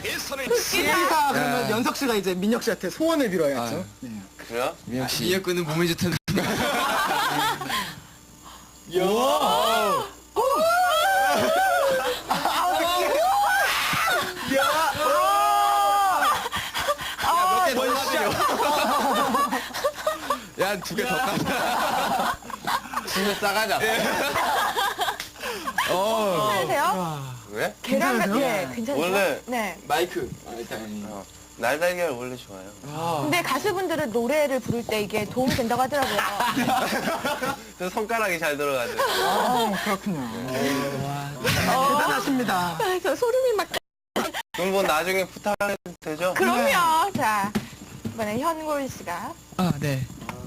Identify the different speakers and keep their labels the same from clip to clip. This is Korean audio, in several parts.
Speaker 1: 시가 그러면 연석 씨가 이제 민혁 씨한테 소원을 빌어야죠. 네.
Speaker 2: 그래요?
Speaker 3: 민혁 씨.
Speaker 4: 민혁 군은 몸에 좋다는.
Speaker 3: 야, 2개 더 까자.
Speaker 2: 진짜 싸가자.
Speaker 5: 괜찮으세요?
Speaker 2: 왜?
Speaker 5: 계란 같은
Speaker 1: 괜찮으세요?
Speaker 5: 게 괜찮죠?
Speaker 2: 원래
Speaker 5: 네.
Speaker 4: 마이크. 일단.
Speaker 2: 날달걀 원래 좋아요.
Speaker 5: 근데 가수분들은 노래를 부를 때 이게 도움이 된다고 하더라고요.
Speaker 2: 저 손가락이 잘 들어가죠.
Speaker 1: 그렇군요. 대단하십니다.
Speaker 5: 저 소름이 막.
Speaker 2: 그럼 뭐 나중에 부탁해도 되죠?
Speaker 5: 그럼요. 자, 이번엔 현골 씨가
Speaker 4: 아, 네.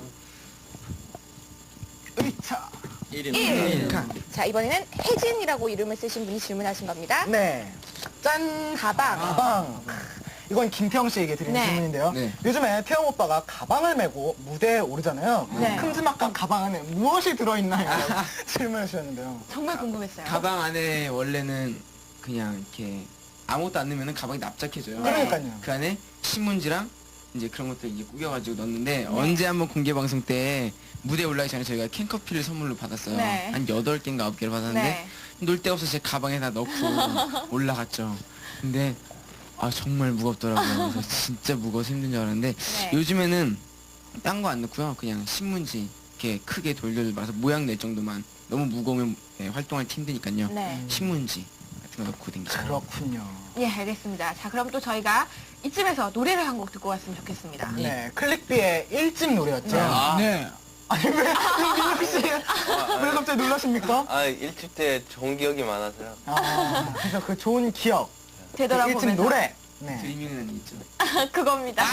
Speaker 1: 의차.
Speaker 5: 1. 자, 이번에는 혜진이라고 이름을 쓰신 분이 질문하신 겁니다.
Speaker 1: 네.
Speaker 5: 짠! 가방.
Speaker 1: 가방. 이건 김태형 씨에게 드리는
Speaker 5: 네.
Speaker 1: 질문인데요.
Speaker 4: 네.
Speaker 1: 요즘에 태형 오빠가 가방을 메고 무대에 오르잖아요.
Speaker 5: 네.
Speaker 1: 큼지막한 가방 안에 무엇이 들어있나요? 질문을 주셨는데요.
Speaker 5: 정말 궁금했어요.
Speaker 4: 가방 안에 원래는 그냥 이렇게 아무것도 안 넣으면 가방이 납작해져요.
Speaker 5: 네.
Speaker 1: 그러니까요.
Speaker 4: 그 안에 신문지랑 이제 그런 것들 이제 꾸겨가지고 넣었는데 언제 한번 공개 방송 때 무대에 올라가기 전에 저희가 캔커피를 선물로 받았어요.
Speaker 5: 네.
Speaker 4: 한 8개인가 9개를 받았는데
Speaker 5: 네.
Speaker 4: 놀 데 없어서 제 가방에 다 넣고 올라갔죠. 근데 아 정말 무겁더라고요. 그래서 진짜 무거워서 힘든 줄 알았는데
Speaker 5: 네.
Speaker 4: 요즘에는 딴 거 안 넣고요. 그냥 신문지 이렇게 크게 돌돌 말아서 모양 낼 정도만. 너무 무거우면 활동할 때 힘드니까요.
Speaker 5: 네.
Speaker 4: 신문지 같은 거 넣고 댕기죠.
Speaker 1: 그렇군요.
Speaker 5: 예, 알겠습니다. 자, 그럼 또 저희가 이쯤에서 노래를 한 곡 듣고 왔으면 좋겠습니다.
Speaker 1: 네. 클릭비의 1집 노래였죠.
Speaker 4: 네.
Speaker 1: 아니, 왜, 민혁 씨, 왜 갑자기 놀라십니까?
Speaker 2: 아, 1집 때 좋은 기억이 많아서요.
Speaker 1: 아, 그래서 그 좋은 기억. 그
Speaker 5: 되돌아보면서
Speaker 1: 1집 노래. 네.
Speaker 4: 드리밍은 있죠.
Speaker 5: 그겁니다.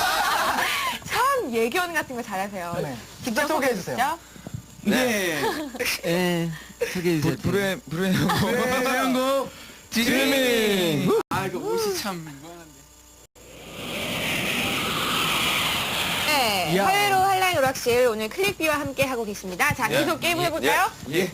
Speaker 5: 참 예견 같은 거 잘하세요.
Speaker 1: 네. 직접 소개해주세요.
Speaker 5: 해주시죠.
Speaker 4: 네. 네. 소개해주세요.
Speaker 3: 불의
Speaker 4: 태양고 드리밍. 아 이거 옷이 참 무한한데.
Speaker 5: 네, 화요일 오후 한라인 오락실 오늘 클릭비와 함께 하고 계십니다. 자,
Speaker 2: 예.
Speaker 5: 계속 게임 해볼까요?
Speaker 2: 예.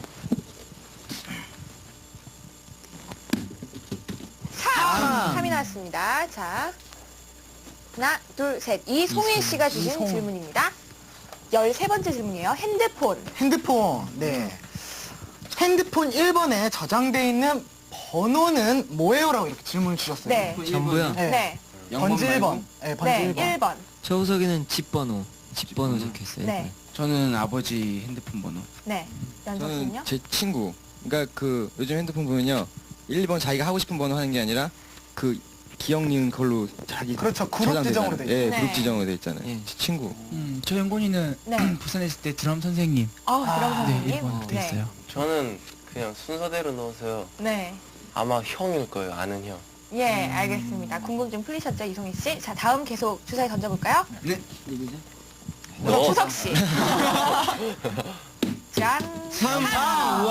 Speaker 5: 3이 나왔습니다. 자, 하나, 둘, 셋. 이송일 씨가 주신
Speaker 1: 이송일.
Speaker 5: 질문입니다. 13번째 질문이에요. 핸드폰.
Speaker 1: 핸드폰. 네. 핸드폰 1번에 저장돼 있는 번호는 뭐예요? 라고 이렇게 질문을 주셨어요.
Speaker 5: 네.
Speaker 6: 전부요?
Speaker 1: 네.
Speaker 5: 네.
Speaker 1: 번지 1번.
Speaker 4: 말고?
Speaker 1: 네, 번지
Speaker 5: 네,
Speaker 1: 1번.
Speaker 5: 1번.
Speaker 6: 저우석에는 집번호 적혀있어요.
Speaker 5: 네.
Speaker 4: 저는 아버지 핸드폰 번호.
Speaker 5: 네. 연석
Speaker 3: 저는
Speaker 5: 씨는요?
Speaker 3: 제 친구. 그러니까 그 요즘 핸드폰 보면요. 1번 자기가 하고 싶은 번호 하는 게 아니라 그 기억 니은 걸로 자기
Speaker 1: 그렇죠. 그룹
Speaker 3: 저장되잖아요.
Speaker 1: 지정으로 돼
Speaker 3: 예,
Speaker 5: 있죠.
Speaker 3: 그룹
Speaker 5: 네.
Speaker 3: 지정으로 돼 있잖아요.
Speaker 6: 예.
Speaker 3: 제 친구.
Speaker 4: 저 영곤이는
Speaker 5: 네.
Speaker 4: 부산에 있을 때 드럼 선생님.
Speaker 5: 그럼
Speaker 1: 아,
Speaker 5: 선생님.
Speaker 4: 네, 1번으로 돼 있어요.
Speaker 2: 저는 그냥 순서대로 넣어서요.
Speaker 5: 네.
Speaker 2: 아마 형일 거예요, 아는 형.
Speaker 5: 예, 알겠습니다. 궁금증 풀리셨죠, 이송희 씨? 자, 다음 계속 주사위 던져볼까요?
Speaker 4: 네. 누구죠?
Speaker 5: 후석 씨. 짠.
Speaker 6: 3!
Speaker 5: 와.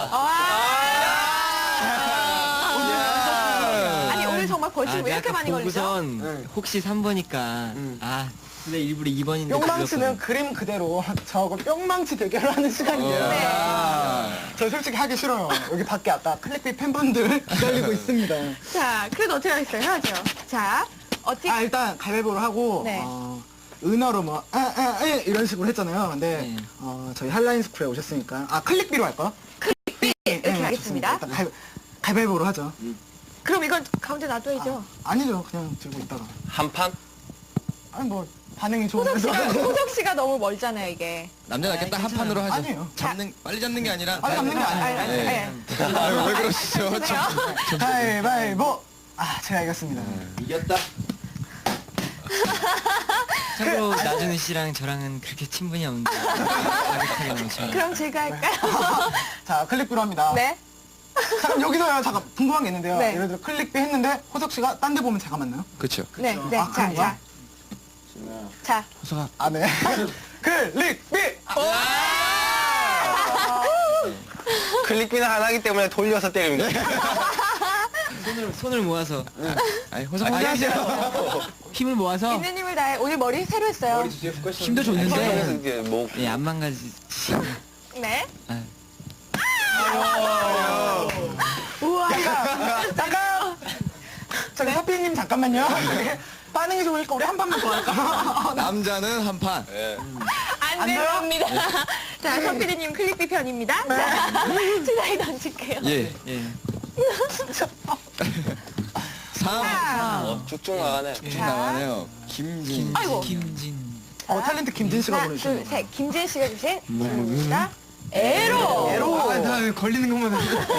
Speaker 1: 아,
Speaker 5: 아니, 오늘 정말 벌칙 왜 이렇게 많이 걸리죠?
Speaker 6: 보고선 혹시 3번이니까 근데 일부러 2번인데
Speaker 1: 뿅망치는 그림 그대로 저하고 뿅망치 대결을 하는 시간이에요.
Speaker 5: 네.
Speaker 1: 저 솔직히 하기 싫어요. 여기 밖에 아까 클릭비 팬분들 기다리고 있습니다.
Speaker 5: 자, 그래도 어떻게 하겠어요? 해야죠. 자, 어떻게.
Speaker 1: 일단 가위바위보를 하고
Speaker 5: 네.
Speaker 1: 은어로 뭐 이런 식으로 했잖아요. 근데
Speaker 6: 네.
Speaker 1: 저희 한라인 스쿨에 오셨으니까 클릭비로 할까요?
Speaker 5: 이렇게
Speaker 1: 네,
Speaker 5: 하겠습니다.
Speaker 1: 좋습니다. 일단 가위바위보로 하죠.
Speaker 5: 그럼 이건 가운데 놔둬야죠.
Speaker 1: 아니죠. 그냥 들고 있다가.
Speaker 2: 한 판?
Speaker 1: 아니 뭐 반응이
Speaker 5: 호석 씨가,
Speaker 1: 좋은데서.
Speaker 5: 호석 씨가 너무 멀잖아요, 이게.
Speaker 3: 남자답게 딱 한 판으로 하죠.
Speaker 1: 아니에요.
Speaker 3: 빨리 잡는 게 아니라.
Speaker 1: 빨리 잡는 게 아니에요.
Speaker 3: 네. 아유, 왜 그러시죠?
Speaker 1: 가위바위보. 제가 이겼습니다.
Speaker 4: 이겼다.
Speaker 6: 참고로 나준우 씨랑 저랑은 그렇게 친분이 없는데 가격하게 넘치면
Speaker 5: 그럼 제가 할까요?
Speaker 1: 자, 클릭비로 합니다.
Speaker 5: 네.
Speaker 1: 잠깐 여기서요. 잠깐 궁금한 게 있는데요.
Speaker 5: 네.
Speaker 1: 예를 들어 클릭비 했는데 호석 씨가 딴 데 보면 제가 맞나요?
Speaker 3: 그렇죠.
Speaker 5: 네, 네. 자,
Speaker 1: 그런가?
Speaker 5: 자.
Speaker 4: 호석아.
Speaker 1: 네. 클릭비.
Speaker 2: 클릭비는 하나기 때문에 돌려서 때립니다.
Speaker 6: 손을 모아서
Speaker 3: 아니, 호석
Speaker 6: 힘을 모아서
Speaker 5: 있는님을 다해. 오늘 머리 새로 했어요.
Speaker 6: 힘도
Speaker 2: 그래서
Speaker 6: 좋는데
Speaker 2: 이제 뭐
Speaker 6: 안 망가지.
Speaker 5: 네.
Speaker 6: 아.
Speaker 5: 우와.
Speaker 1: 잠깐. 자, 저기 서피님 잠깐만요. 반응이 좋으니까 우리 한 판만 더 할까?
Speaker 3: 남자는 한 판.
Speaker 2: 예.
Speaker 5: 안
Speaker 1: 돼요?
Speaker 5: 됩니다. 자, 서피디님 클릭비 편입니다. 자, 주사위 던질게요.
Speaker 3: 예.
Speaker 4: 예.
Speaker 3: 3.
Speaker 2: 쭉쭉 나가네.
Speaker 3: 쭉 나가네요. 김진.
Speaker 5: 아이고.
Speaker 6: 김진.
Speaker 1: 탤런트 김진 씨가
Speaker 5: 하나,
Speaker 1: 보내주신
Speaker 5: 둘,
Speaker 1: 거.
Speaker 5: 셋. 김진 씨가 주신 질문입니다. 에로.
Speaker 1: 에로.
Speaker 4: 나 걸리는 것만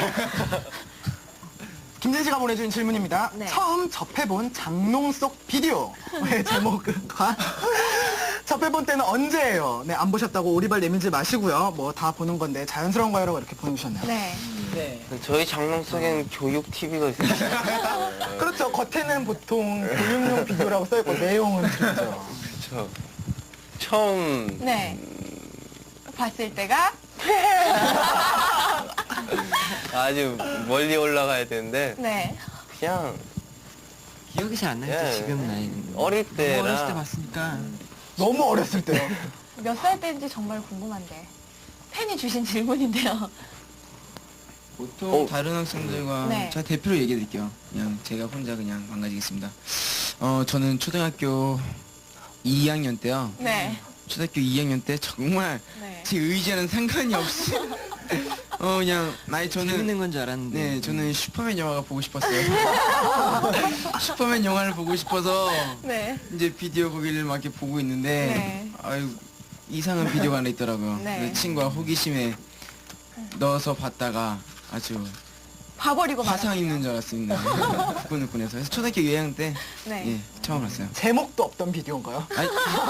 Speaker 1: 김진 씨가 보내준 질문입니다.
Speaker 5: 네.
Speaker 1: 처음 접해본 장롱 속 비디오의 제목과 접해본 때는 언제예요? 네, 안 보셨다고 오리발 내밀지 마시고요. 뭐 다 보는 건데 자연스러운 거라고 이렇게 보내주셨네요.
Speaker 5: 네.
Speaker 2: 저희 장롱 속엔 교육 TV가 있어요.
Speaker 1: 그렇죠. 겉에는 보통 교육용 비디오라고 써있고 내용은 그렇죠.
Speaker 2: 그렇죠. 처음
Speaker 5: 네. 봤을 때가
Speaker 2: 아주 멀리 올라가야 되는데
Speaker 5: 네.
Speaker 2: 그냥
Speaker 6: 기억이 잘 안 나요.
Speaker 2: 예.
Speaker 6: 지금 나이는.
Speaker 2: 어릴 때라
Speaker 4: 어렸을 때 봤으니까.
Speaker 1: 너무 어렸을 때요.
Speaker 5: 몇 살 때인지 정말 궁금한데. 팬이 주신 질문인데요.
Speaker 4: 보통 다른 학생들과
Speaker 5: 네.
Speaker 4: 제가 대표로 얘기해 드릴게요. 그냥 제가 혼자 그냥 망가지겠습니다. 저는 초등학교 2학년 때요.
Speaker 5: 네.
Speaker 4: 초등학교 2학년 때 정말
Speaker 5: 네.
Speaker 4: 제 의지와는 상관이 없이 그냥 저는
Speaker 6: 재밌는 건 줄 알았는데.
Speaker 4: 네, 저는 슈퍼맨 영화가 보고 싶었어요. 슈퍼맨 영화를 보고 싶어서
Speaker 5: 네.
Speaker 4: 이제 비디오 거기를 막 이렇게 보고 있는데
Speaker 5: 네.
Speaker 4: 아유 이상한 비디오가 하나 있더라고요.
Speaker 5: 네.
Speaker 4: 그래서 친구가 호기심에 넣어서 봤다가 아주
Speaker 5: 봐버리고
Speaker 4: 화상
Speaker 5: 말았어요.
Speaker 4: 입는 줄 알았습니다. 후끈후끈해서. 그래서 초등학교 2학년 때
Speaker 5: 네.
Speaker 4: 예, 처음 봤어요.
Speaker 1: 제목도 없던 비디오인가요?
Speaker 4: 아니,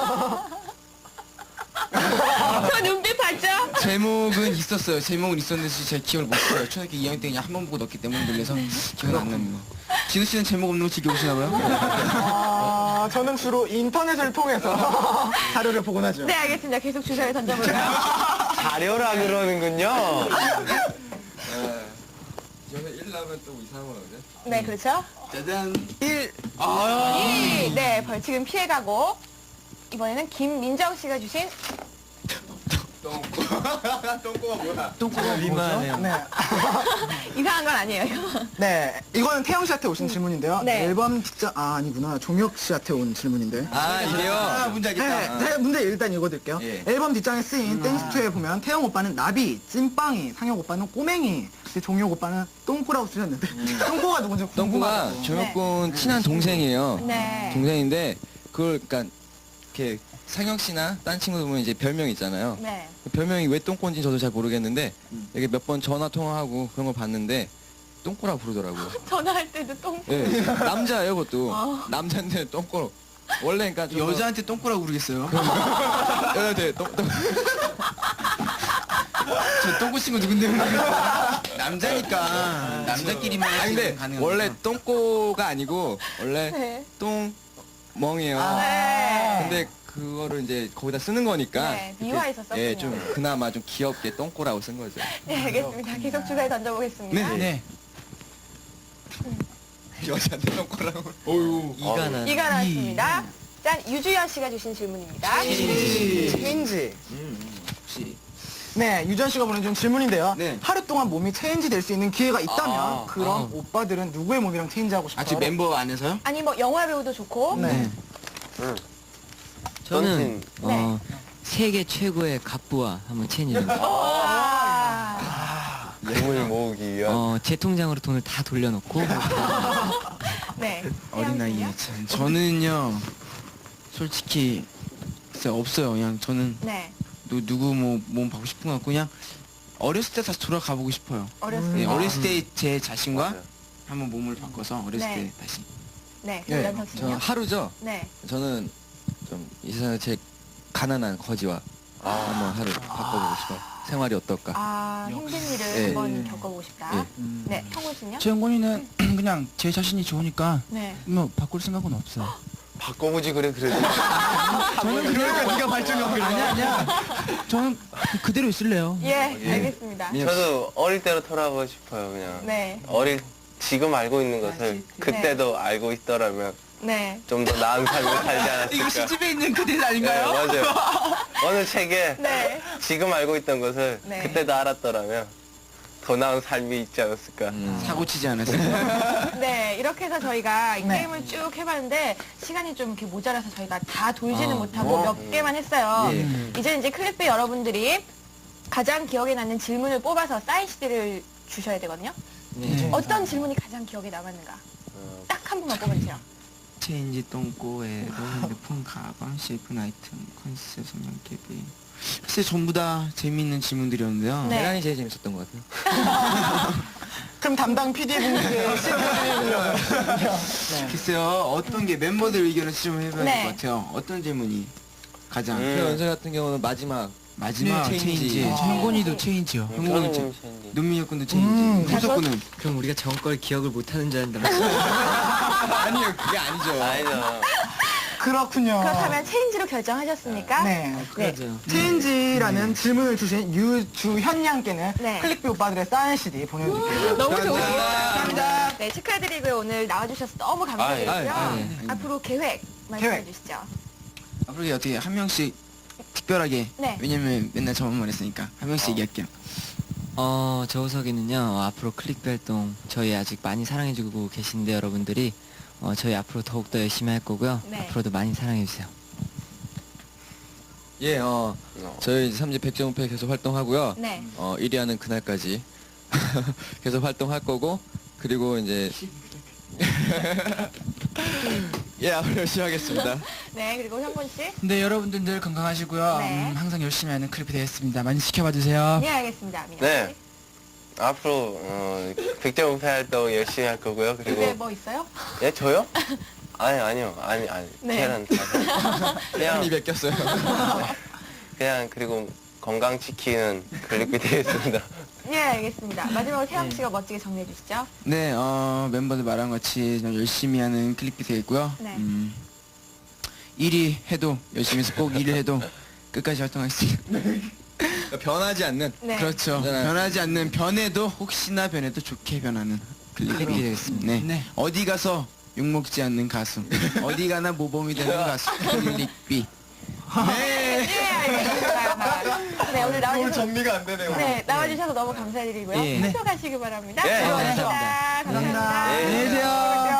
Speaker 5: 저 눈빛 봤죠?
Speaker 4: 제목은 있었어요. 제목은 있었는데 제 기억을 못 해요. 초등학교 2학년 때 그냥 한 번 보고 넣었기 때문에 놀래서 기억은 안 납니다. 진우 씨는 제목 없는 거 즐겨보시나 봐요?
Speaker 1: 아, 저는 주로 인터넷을 통해서 자료를 보곤 하죠.
Speaker 5: 네, 알겠습니다. 계속 주사위 던져볼까요?
Speaker 2: 자료라 그러는군요.
Speaker 3: 저는 1 나오면 또 이상한 거거든요.
Speaker 5: 네, 그렇죠.
Speaker 4: 짜잔.
Speaker 1: 1.
Speaker 5: 1위. 네, 벌칙은 피해가고. 이번에는 김민정 씨가 주신
Speaker 3: 똥꼬가 뭐야?
Speaker 4: 똥꼬가
Speaker 6: 민망하네요.
Speaker 1: 네.
Speaker 5: 이상한 건 아니에요, 이거.
Speaker 1: 네. 이거는 태영 씨한테 오신 질문인데요.
Speaker 5: 네.
Speaker 1: 앨범 뒷장, 아니구나. 종혁 씨한테 온 질문인데.
Speaker 3: 아, 이래요?
Speaker 4: 문제
Speaker 1: 네, 제가 문제 일단 읽어드릴게요.
Speaker 3: 예.
Speaker 1: 앨범 뒷장에 쓰인 땡스투에 보면 태영 오빠는 나비, 찐빵이, 상혁 오빠는 꼬맹이, 근데 종혁 오빠는 똥꼬라고 쓰셨는데 똥꼬가 누군지
Speaker 3: 똥꼬가
Speaker 1: 궁금하다고.
Speaker 3: 조혁군 친한 동생이에요.
Speaker 5: 네.
Speaker 3: 동생인데 그걸 그러니까 이렇게 상혁 씨나 딴 친구들 보면 이제 별명 있잖아요.
Speaker 5: 네.
Speaker 3: 그 별명이 왜 똥꼬인지 저도 잘 모르겠는데 이게 몇 번 전화 통화하고 그런 걸 봤는데 똥꼬라고 부르더라고요.
Speaker 5: 전화할 때도 똥.
Speaker 3: 예, 남자예요, 그것도.
Speaker 5: 어.
Speaker 3: 남자인데 똥꼬로. 원래 그러니까 좀
Speaker 4: 여자한테 똥꼬라고 그러겠어요?
Speaker 3: 여자한테 똥
Speaker 4: 저 똥꼬 친구 누군데? 남자니까 남자끼리만
Speaker 3: 아 근데
Speaker 4: 가능한
Speaker 3: 원래
Speaker 4: 거죠.
Speaker 3: 똥꼬가 아니고 원래
Speaker 5: 네.
Speaker 3: 똥멍이에요.
Speaker 5: 네.
Speaker 3: 근데 그거를 이제 거기다 쓰는 거니까
Speaker 5: 네,
Speaker 3: 이렇게,
Speaker 5: 미화해서
Speaker 3: 예,
Speaker 5: 썼군요.
Speaker 3: 좀 그나마 좀 귀엽게 똥꼬라고 쓴 거죠.
Speaker 5: 네, 알겠습니다. 계속 주사위 던져보겠습니다.
Speaker 4: 네.
Speaker 3: 여자한테 똥꼬라고. 어유.
Speaker 6: 이가 나.
Speaker 5: 이가 나왔습니다. 짠, 유주연 씨가 주신 질문입니다.
Speaker 1: 체인지.
Speaker 4: 혹시
Speaker 1: 네, 유전 씨가 보내준 질문인데요.
Speaker 4: 네.
Speaker 1: 하루 동안 몸이 체인지 될 수 있는 기회가 있다면
Speaker 4: 아,
Speaker 1: 그럼 오빠들은 누구의 몸이랑 체인지하고 싶어요?
Speaker 4: 지금 멤버 안에서요?
Speaker 5: 아니, 뭐, 영화 배우도 좋고.
Speaker 1: 네.
Speaker 6: 저는
Speaker 5: 네.
Speaker 6: 세계 최고의 갑부와 한번 체인지를.
Speaker 5: 와.
Speaker 2: 몸을 모으기 위한.
Speaker 6: 제 통장으로 돈을 다 돌려놓고
Speaker 5: 네.
Speaker 4: 어린 나이에 참. 저는요 솔직히 글쎄 없어요. 그냥 저는
Speaker 5: 네.
Speaker 4: 누구 뭐 몸 받고 싶은 거 같고 그냥 어렸을 때 다시 돌아가 보고 싶어요.
Speaker 5: 어렸을
Speaker 4: 네,
Speaker 5: 때.
Speaker 4: 어렸을 때 제 자신과
Speaker 2: 맞아요.
Speaker 4: 한번 몸을 바꿔서 어렸을
Speaker 5: 네.
Speaker 4: 때 다시.
Speaker 5: 네.
Speaker 3: 네,
Speaker 5: 연석
Speaker 3: 저
Speaker 5: 씨요.
Speaker 3: 하루죠.
Speaker 5: 네.
Speaker 3: 저는 좀 이 세상에 제일 가난한 거지와 한번 하루 바꿔보고 싶어요. 생활이 어떨까?
Speaker 5: 아, 힘든 일을
Speaker 3: 네.
Speaker 5: 한번 겪어보고 싶다.
Speaker 3: 예.
Speaker 5: 네. 형훈 씨는요?
Speaker 7: 최영곤이는 그냥 제 자신이 좋으니까
Speaker 5: 네.
Speaker 7: 뭐 바꿀 생각은 없어요.
Speaker 2: 바꿔보지 그래 그래도.
Speaker 7: 저는 그러니까 네가 발전하고 아니야. 저는 그대로 있을래요.
Speaker 5: 예, 알겠습니다.
Speaker 2: 저도 어릴 때로 돌아가고 싶어요 그냥.
Speaker 5: 네.
Speaker 2: 지금 알고 있는 것을 그때도 알고 있더라면
Speaker 5: 네.
Speaker 2: 좀 더 나은 삶을 살지 않았을까.
Speaker 4: 이거 시집에 있는 그대
Speaker 2: 네,
Speaker 4: 아닌가요?
Speaker 2: 맞아요. 어느 책에
Speaker 5: 네.
Speaker 2: 지금 알고 있던 것을
Speaker 5: 네.
Speaker 2: 그때도 알았더라면 더 나은 삶이 있지 않았을까.
Speaker 4: 사고 치지 않았어요.
Speaker 5: 네, 이렇게 해서 저희가 이
Speaker 1: 네.
Speaker 5: 게임을 쭉 해봤는데 시간이 좀 이렇게 모자라서 저희가 다 돌지는 못하고
Speaker 1: 뭐.
Speaker 5: 몇 개만 했어요.
Speaker 4: 예.
Speaker 5: 이제 클립비 여러분들이 가장 기억에 남는 질문을 뽑아서 사인 CD를 주셔야 되거든요.
Speaker 6: 네.
Speaker 5: 어떤 질문이 가장 기억에 남았는가? 딱 한 분만 뽑아주세요.
Speaker 4: 체인지 똥꼬에 핸드폰, 가방, 쉐이프 아이템, 컨셉, 성형 캡이. 사실 전부 다 재미있는 질문들이었는데요.
Speaker 5: 네.
Speaker 3: 대란이 제일 재밌었던 것 같아요.
Speaker 1: 그럼 담당 PD분께 시켜드리려고요. 네.
Speaker 4: 글쎄요, 어떤 게 멤버들 의견을 수렴해봐야 될
Speaker 5: 네.
Speaker 4: 것 같아요. 어떤 질문이 가장
Speaker 3: 그 연설 같은 경우는 마지막
Speaker 4: 마지막
Speaker 3: 네, 체인지.
Speaker 4: 체인지.
Speaker 7: 형곤이도 체인지요.
Speaker 4: 형곤이 체 눈민혁 군도 체인지. 호석 군은
Speaker 6: 그럼 우리가 전 걸 기억을 못하는 줄 알았는데.
Speaker 3: 아니요 그게 아니죠.
Speaker 2: 아니죠.
Speaker 1: 그렇군요.
Speaker 5: 그렇다면 체인지로 결정하셨습니까?
Speaker 1: 네.
Speaker 6: 그러죠.
Speaker 1: 체인지라는 질문을 주신 유주현 양께는
Speaker 5: 네.
Speaker 1: 클릭비 오빠들의 사인 CD 보내드릴게요.
Speaker 5: 너무 좋으시죠?
Speaker 1: 감사합니다.
Speaker 5: 네, 축하드리고요. 오늘 나와주셔서 너무 감사드리고요.
Speaker 6: 아,
Speaker 5: 앞으로 계획 말씀해 주시죠.
Speaker 4: 앞으로 어떻게 한 명씩 특별하게
Speaker 5: 네.
Speaker 4: 왜냐면 맨날 저만 했으니까 한 명씩 얘기할게요.
Speaker 6: 저우석이는요, 앞으로 클릭비 활동 저희 아직 많이 사랑해주고 계신데 여러분들이 저희 앞으로 더욱더 열심히 할 거고요.
Speaker 5: 네.
Speaker 6: 앞으로도 많이 사랑해주세요.
Speaker 3: 예, 저희 이제 3집 100.5패 계속 활동하고요.
Speaker 5: 네.
Speaker 3: 1위 하는 그날까지 계속 활동할 거고, 그리고 이제 예, 앞으로 열심히 하겠습니다.
Speaker 5: 네, 그리고 현곤 씨.
Speaker 7: 네, 여러분들 늘 건강하시고요.
Speaker 5: 네.
Speaker 7: 항상 열심히 하는 클립이 되겠습니다. 많이 지켜봐 주세요.
Speaker 5: 네, 알겠습니다. 민혁 씨.
Speaker 2: 네. 앞으로 100.5패 활동 열심히 할 거고요.
Speaker 5: 그게
Speaker 2: 그리고
Speaker 5: 뭐 있어요?
Speaker 2: 예 저요? 아니요. 아니.
Speaker 5: 네.
Speaker 2: 걔는 다 그냥
Speaker 3: 입에 꼈어요.
Speaker 2: 그냥 그리고 건강 지키는 클릭비 되겠습니다.
Speaker 5: 네, 알겠습니다. 마지막으로 태양 씨가 멋지게 정리해 주시죠.
Speaker 4: 네, 멤버들 말한 것 같이 좀 열심히 하는 클릭비 되겠고요.
Speaker 5: 네.
Speaker 4: 1위 해도 열심히 해서 꼭 1위 해도 끝까지 활동하겠습니다.
Speaker 3: 그러니까 변하지 않는.
Speaker 5: 네.
Speaker 4: 그렇죠.
Speaker 3: 네.
Speaker 4: 변하지 않는 변해도 혹시나 변해도 좋게 변하는 클릭비 되겠습니다. 네.
Speaker 7: 네.
Speaker 4: 어디 가서 욕먹지 않는 가수. 어디 가나 모범이 되는 가수. 클릭비. 네.
Speaker 5: 네, 알겠습니다. 네, 오늘 나와주셔서
Speaker 3: 정리가 안 되네요.
Speaker 5: 네, 나와주셔서 너무 감사드리고요.
Speaker 6: 예.
Speaker 5: 학교 가시기 바랍니다.
Speaker 2: 네,
Speaker 5: 감사합니다.
Speaker 6: 감사합니다.
Speaker 5: 감사합니다.
Speaker 2: 네.
Speaker 7: 안녕히 계세요.